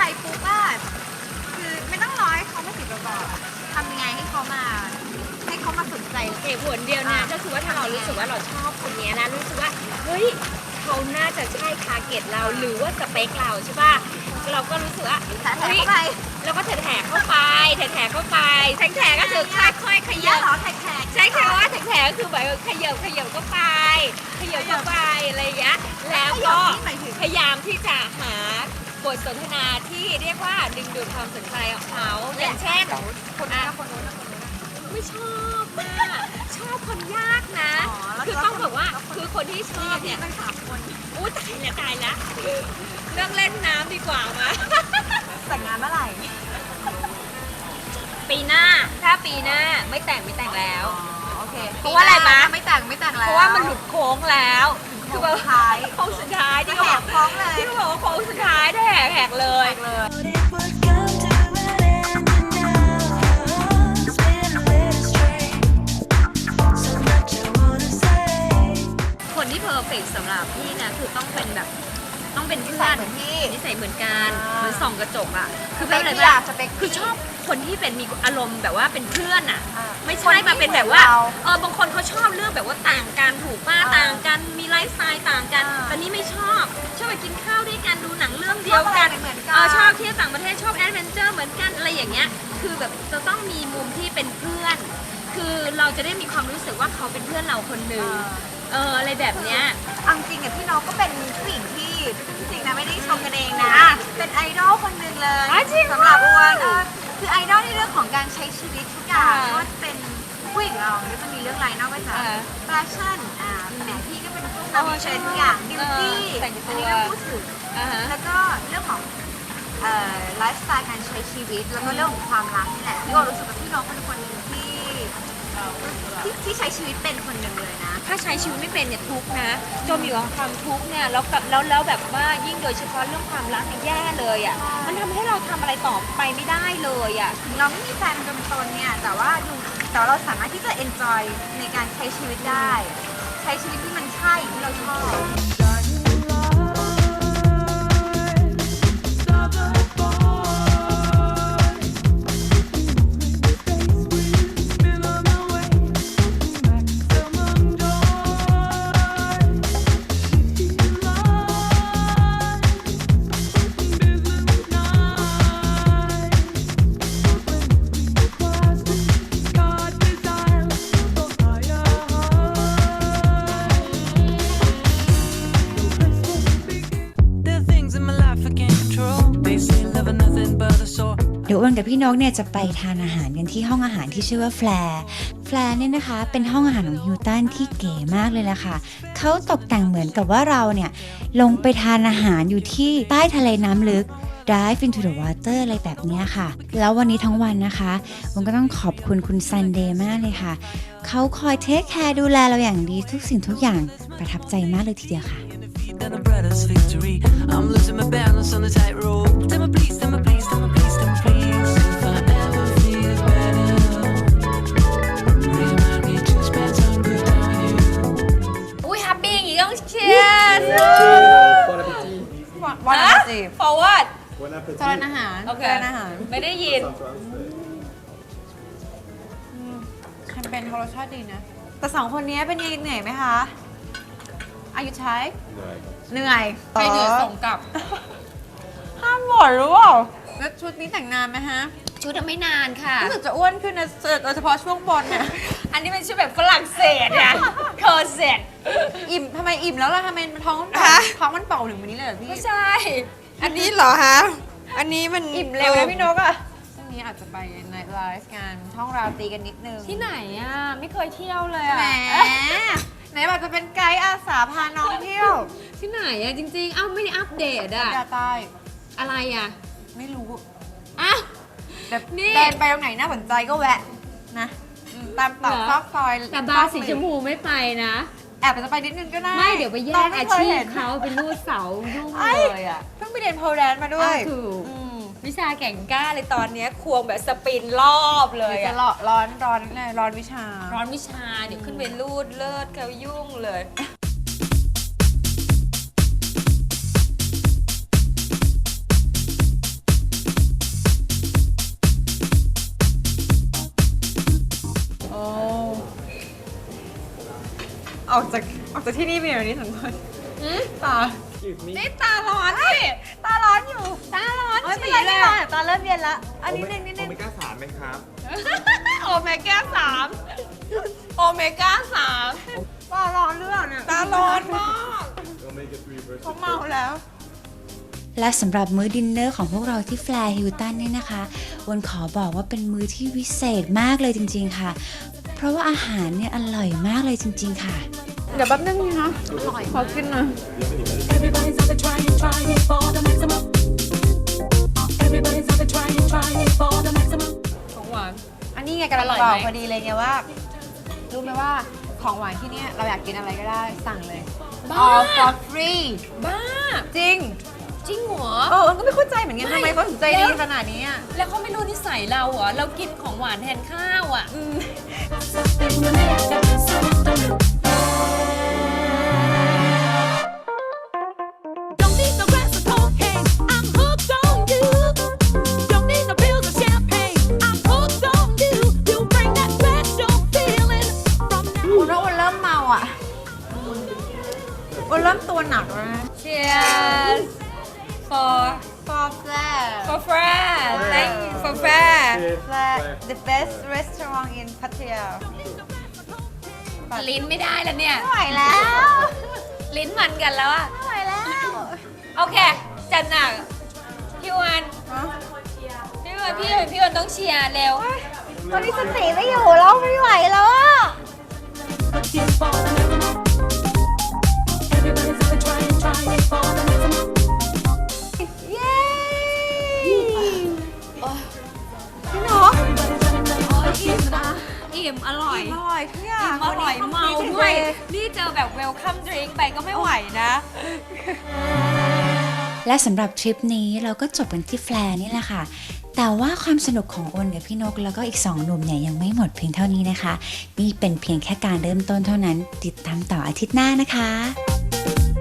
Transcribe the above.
ปุ๊บว่าคือไม่ต้องรอให้เขามาติดเราก่อนทำยังไงให้เขามาสนใจเหตุผลเดียวนะก็คือว่าถ้าเรารู้สึกว่าเราชอบคนนี้นะรู้สึกว่าเฮ้ยเขาน่าจะใช่ทาร์เก็ตเราหรือว่าสเปคเราใช่ป่ะเราก็รู้สึกว่าแถเข้าไปแล้วก็แถเข้าไปแถเข้าไปแถก็คือค่อยๆขเยยัอะบเหรอแขกใช้คำว่าแถก็คือแบบขยับเข้าไปอะไรอย่างเงี้ยแล้วก็พยายามที่จะหาบทสนทนาที่เรียกว่าดึงดูดความสนใจของเขาอย่างเช่นคนนู้นคนนู้นไม่ชอบมากชอบคนยากนะ คือต้องบอกว่าคือคนที่ชอบเนี่ยตั้ง3 คนอู้ตายละเรื่องเล่นน้ำดีกว่ามาแต่งงานเมื่อไหร่ปีหน้าถ้าปีหน้าไม่แต่งแล้วโอเคเพราะว่าอะไรมะไม่แต่งแล้วเพราะว่ามันหลุดโค้งแล้วคือแบบท้ายโค้งสุดท้ายที่แหเขากท้องเลยที่เขาบอกว่าโค้งสุดท้ายได้แหกเลย คนที่เพอร์เฟกต์สำหรับพี่นะคือต้องเป็นแบบต้องเป็นเพื่อนที่นิสัยเหมือนกันเหมือนส่องกระจกอ่ะคือเป็เป็นนอะไรอะไรบ้างสเปคคือชอบคนที่เป็นมีอารมณ์แบบว่าเป็นเพื่อนอ่ะ ไม่คใช่นที่มาเป็นแบบว่าเหมือนเราบางคนเขาชอบเรื่องแบบว่าต่างกันถูกป่ะอ่าต่างกันมีไลฟ์สไตล์ต่างกันอ่าแต่นี่ไม่ชอบไปกินข้าวด้วยกันดูหนังเรื่องเดียวกันชอบอะไรเหมือนกันชอบเที่ยวต่างประเทศชอบแอดเวนเจอร์เหมือนกันอะไรอย่างเงี้ยคือแบบจะต้องมีมุมที่เป็นเพื่อน คือเราจะได้มีความรู้สึกว่าเขาเป็นเพื่อนเราคนหนึ่งอะไรแบบเนี้ยเอาจริงๆพี่น้องก็เป็นผู้หญิงที่จริงๆนะไม่ได้ชมกันเองนะ เป็นไอดอลคนหนึ่งเลยอ๋อจริงเหรอสำหรับอ้วนคือไอดอลในเรื่องของการใช้ชีวิตทุกอย่างอ่าไม่ว่าจะเป็นผู้หญิงเราก็จะมีเรื่องอะไรนอกจากอ่าแฟชั่นแต่พี่ก็เป็นพวกอ๋อนำเทรนด์ทุกอย่างดิวตี้แต่งตัวอันนี้เราพูดถึง แล้วก็เรื่องของไลฟ์สไตล์การใช้ชีวิต แล้วก็เรื่องของความรักนี่แหละพี่ก็รู้สึกว่าพี่น้องเป็นคนหนึ่งที่ใช้ชีวิตเป็นคนหนึ่งเลยนะถ้าใช้ชีวิตไม่เป็นเนี่ยทุกข์นะจมอยู่กับความทุกข์เนี่ยแล้วแบบว่ายิ่งโดยเฉพาะเรื่องความรักเนี่ยแย่เลยอ่ะมันทำให้เราทำอะไรต่อไปไม่ได้เลยอ่ะถึงเราไม่มีแฟนเป็นตนเนี่ยแต่ว่าเราสามารถที่จะ enjoy ในการใช้ชีวิตได้ ใช้ชีวิตที่มันใช่ที่เราชอบเดี๋ยวอ้วนกับพี่นกเนี่ยจะไปทานอาหารกันที่ห้องอาหารที่ชื่อว่าแฟร์เนี่ยนะคะเป็นห้องอาหารของฮิลตันที่เก๋มากเลยล่ะค่ะเขาตกแต่งเหมือนกับว่าเราเนี่ยลงไปทานอาหารอยู่ที่ใต้ทะเลน้ำลึก Dive into the water อะไรแบบนี้ค่ะแล้ววันนี้ทั้งวันนะคะผมก็ต้องขอบคุณคุณซันเดย์มากเลยค่ะเขาคอยเทคแคร์ดูแลเราอย่างดีทุกสิ่งทุกอย่างประทับใจมากเลยทีเดียวค่ะ Than a brother's victory. I'm losing my balance on the tightrope. Tell me please, tell me please, tell me please, tell me please. If I ever feel better, remind me to spend some good time with you. อุ้ยแฮปปี้อย่างงี้ต้องเชียร์วันอาทิตย์ forward จานอาหารโอเคจานอาหารไม่ได้ยินแคมเปญเขารสชาติดีนะ แต่2 คนนี้เป็นยังไงเหนื่อยไหมคะ อายุใช้เหนื่อยไปเหนื่อยส่งกลับห้ามบ่นรู้เปล่าแล้วชุดนี้แต่งนานไหมฮะชุดไม่นานค่ะรู้สึกจะอ้วนขึ้นนะโดยเฉพาะช่วงบนเนี่ยอันนี้เป็นชุดแบบฝรั่งเศสอะเคอร์เซ็ตอิ่มทำไมอิ่มแล้วล่ะทำไมท้องมันเป่าท้องมันเป่าถึงวันนี้เลยเหรอพี่ไม่ใช่อันนี้เหรอฮะ อันนี้มันอิ่มเร็วนะพี่นกอะช่วงนี้อาจจะไปในไลฟ์กันท่องราตรีกันนิดนึงที่ไหนอะไม่เคยเที่ยวเลยอะแหมไหนบอกจะเป็นไกด์อาสาพาน้องเที่ยวที่ไหนอะจริงๆ เอ้าไม่ได้อัปเดตอะยาใต้อะไรอะไม่รู้อ้าวแบบนี่เดินไปตรงไหนน่าสนใจก็แวะนะตามตอกซอกซอยแต่บาร์สีชมพูไม่ไปนะแอบจะไปนิดนึงก็ได้ไม่เดี๋ยวไปแย่น้งม่อาคยชีพห็นเขาเป็นรูดเสายุ่งไอ้เลยอะเพิ่งไปเรียนโพลแดนซ์มาด้วยถูกอืมวิชาแข่งกล้าเลยตอนเนี้ยควงแบบสปินรอบเลเดี๋ยยวจะอะร้อนวิชาร้อนวิชาเดี๋ยวขึ้นไปรูดเลิศเขายุ่งเลยออกจากที่นี่ไปอย่างนี้ทั้งคนตานี่ตาร้อนสิตาร้อนอยู่ตาร้อนไม่เป็นฉี่ไรเลไม่ยร้อนตาเริ่มเย็นแล้วอันนี้นึงนิดนึงโอเมก้า3ไหมครับโอเมก้า3โอเมก้า3 ตาร้อนเรื่องเนี่ยตาร้อนมากเขาเมาแล้วและสำหรับมื้อดินเนอร์ของพวกเราที่แฟร์ฮิลตันเนี่ยนะคะวันขอบอกว่าเป็นมื้อที่วิเศษมากเลยจริงๆค่ะ เพราะว่าอาหารเนี่ยอร่อยมากเลยจริงๆค่ะเดี๋ยวแป๊บนึงนะขอกินหน่อย Everybody's out there trying for the maximum. Everybody's out there trying for the maximum. ของหวานอันนี้ไงกำลังอร่อยบไหมอกพอดีเลยไงว่า รู้ไหมว่าของหวานที่เนี่ยเราอยากกินอะไรก็ได้สั่งเลยบ้า all for free บ้าจริงจริงเหรอก็ไม่เข้าใจเหมือนกันไม่ทำไมเขาถึงใจดีขนาดนี้อะแล้วเขาไม่รู้นิสัยเราเหรอ เรากินของหวานแทนข้าวอ่ะ Don't need no glass of cocaine. I'm hooked on you. Don't need no pills or champagne. I'm hooked on you. You bring that special feeling from now. คุณว่าวันเริ่มเมาอ่ะวันเริ่มตัวหนักแล้วนะ Cheers for for flair Fred thank you for Fred flair the best restaurant in Pattaya ลิ้นไม่ได้แล้วเนี่ยไม่ไหวแล้วลิ้นมันกันแล้วอะไม่ไหวแล้วโอเค จัดหนักพี่วันพี่วันต้องเชียร์เร็วตอนนี้สติไม่อยู่แล้วไม่ไหวแล้วอ่ะ Looking for the maximum. Everybody's out there trying for the maximum. เย้พี่หนออิ่มอร่อยอร่อยทุกอย่างอร่อยเมาด้วย นี่เจอแบบเวลคัมดริงไปก็ไม่ไหวนะและสำหรับทริปนี้เราก็จบกันที่แฟร์นี่แหละค่ะ แต่ว่าความสนุกของโอนกับพี่นกแล้วก็อีก2หนุ่มเนี่ยยังไม่หมดเพียงเท่านี้นะคะ นี่เป็นเพียงแค่การเริ่มต้นเท่านั้น ติดตามต่ออาทิตย์หน้านะคะ